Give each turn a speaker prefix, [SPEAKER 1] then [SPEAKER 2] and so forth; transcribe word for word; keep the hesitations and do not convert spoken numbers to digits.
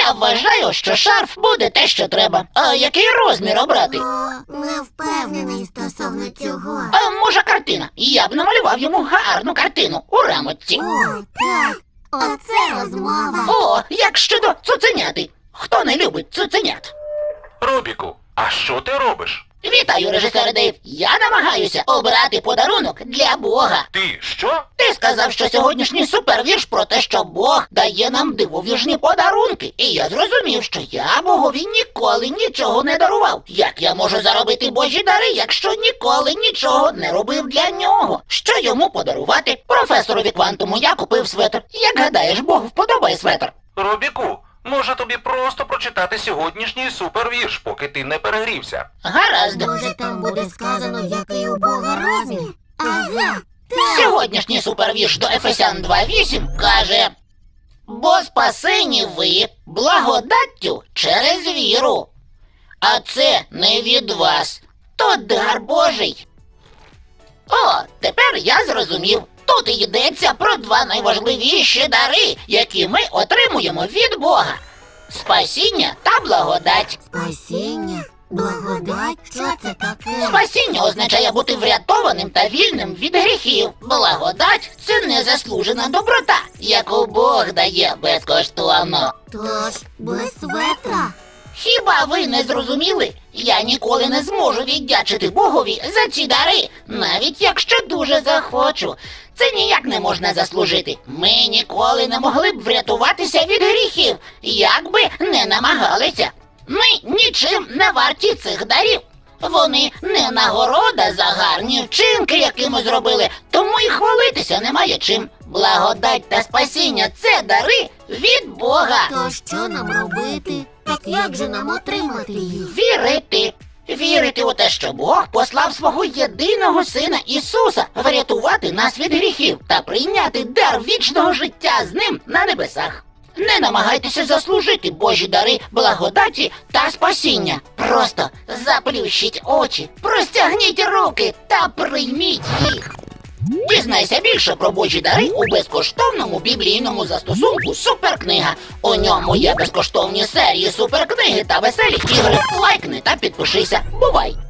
[SPEAKER 1] Я вважаю, що шарф буде те, що треба. А який розмір обрати?
[SPEAKER 2] О, не впевнений стосовно цього.
[SPEAKER 1] А може картина? Я б намалював йому гарну картину у рамочці.
[SPEAKER 2] О, так. Оце розмова.
[SPEAKER 1] О, як щодо цуценяти. Хто не любить цуценят?
[SPEAKER 3] Робіку, а що ти робиш?
[SPEAKER 1] Вітаю, режисер Дейв. Я намагаюся обрати подарунок для Бога.
[SPEAKER 3] Ти що?
[SPEAKER 1] Ти сказав, що сьогоднішній супервірш про те, що Бог дає нам дивовижні подарунки. І я зрозумів, що я Богові ніколи нічого не дарував. Як я можу заробити Божі дари, якщо ніколи нічого не робив для нього? Що йому подарувати? Професорові квантуму я купив светр. Як гадаєш, Богу вподобає светр?
[SPEAKER 3] Робіку, може тобі просто прочитати сьогоднішній супервірш, поки ти не перегрівся?
[SPEAKER 1] Гаразд.
[SPEAKER 2] Може, там буде сказано, який у Бога розмір? Ага, так.
[SPEAKER 1] Сьогоднішній супервірш до Ефесян два вісім каже: «Бо спасені ви благодаттю через віру, а це не від вас, то дар Божий». О, тепер я зрозумів. Тут йдеться про два найважливіші дари, які ми отримуємо від Бога: спасіння та благодать.
[SPEAKER 2] Спасіння? Благодать? Що це таке?
[SPEAKER 1] Спасіння означає бути врятованим та вільним від гріхів. Благодать – це незаслужена доброта, яку Бог дає безкоштовно.
[SPEAKER 2] Тож, без светра?
[SPEAKER 1] Хіба ви не зрозуміли? Я ніколи не зможу віддячити Богові за ці дари, навіть якщо дуже захочу. Це ніяк не можна заслужити. Ми ніколи не могли б врятуватися від гріхів, як би не намагалися. Ми нічим не варті цих дарів. Вони не нагорода за гарні вчинки, які ми зробили, тому і хвалитися немає чим. Благодать та спасіння – це дари від Бога.
[SPEAKER 2] То що нам робити? Так як же нам отримати їх?
[SPEAKER 1] Вірити. Вірити у те, що Бог послав свого єдиного Сина Ісуса врятувати нас від гріхів та прийняти дар вічного життя з Ним на небесах. Не намагайтеся заслужити Божі дари благодаті та спасіння. Просто заплющіть очі, простягніть руки та прийміть їх. Дізнайся більше про Божі дари у безкоштовному біблійному застосунку «Суперкнига». У ньому є безкоштовні серії суперкниги та веселі ігри. Лайкни та підпишися. Бувай!